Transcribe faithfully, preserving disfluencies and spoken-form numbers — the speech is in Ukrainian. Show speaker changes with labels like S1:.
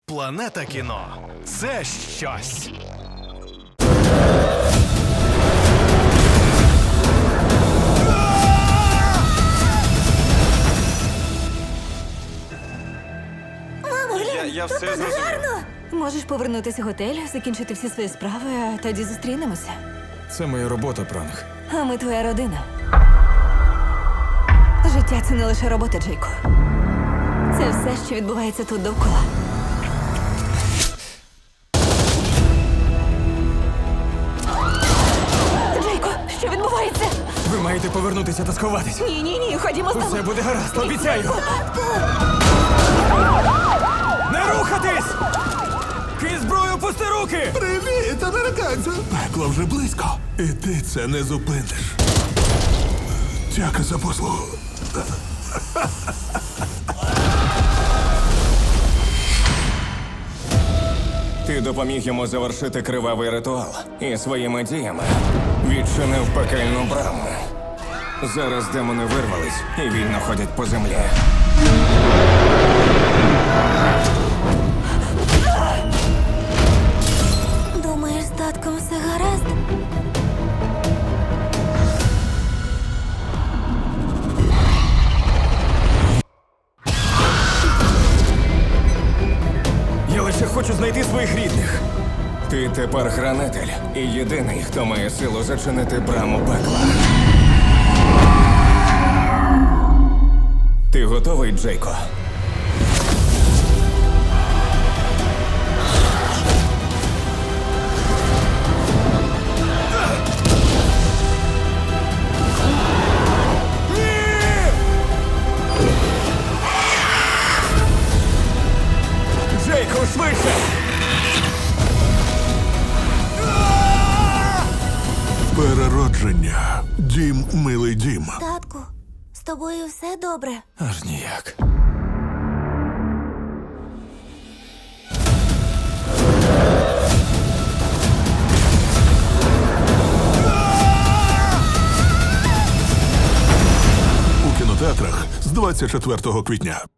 S1: Планета кіно – це щось.
S2: Мамо,
S3: Я,
S2: глянь,
S3: я
S2: тут
S3: все
S2: так
S3: зрозумів.
S2: гарно.
S4: Можеш повернутися в готель, закінчити всі свої справи, а тоді зустрінемося.
S5: Це моя робота, пранк.
S4: А ми твоя родина. Життя – це не лише робота, Джейко. Це все, що відбувається тут довкола. Джейко, що відбувається?
S5: Ви маєте повернутися та сховатись.
S4: Ні, ні, ні, ходімо з тобою.
S5: Усе буде гаразд, обіцяю. Не рухатись! Ки зброю, пусти руки!
S6: Привіт, американцю! Пекло вже близько. І ти це не зупиниш. Дяка за послугу.
S7: Ти допоміг йому завершити кривавий ритуал і своїми діями відчинив пекельну браму. Зараз демони вирвались і вільно ходять по землі.
S2: Думаєш, з татком все гаразд?
S5: Я лише хочу знайти своїх рідних.
S7: Ти тепер хранитель і єдиний, хто має силу зачинити браму пекла. Ти готовий, Джейко?
S5: Джейко, швидше!
S6: Переродження. Дім, милий дім.
S2: Татку, з тобою все добре?
S5: Аж ніяк.
S6: У кінотеатрах з двадцять четвертого квітня.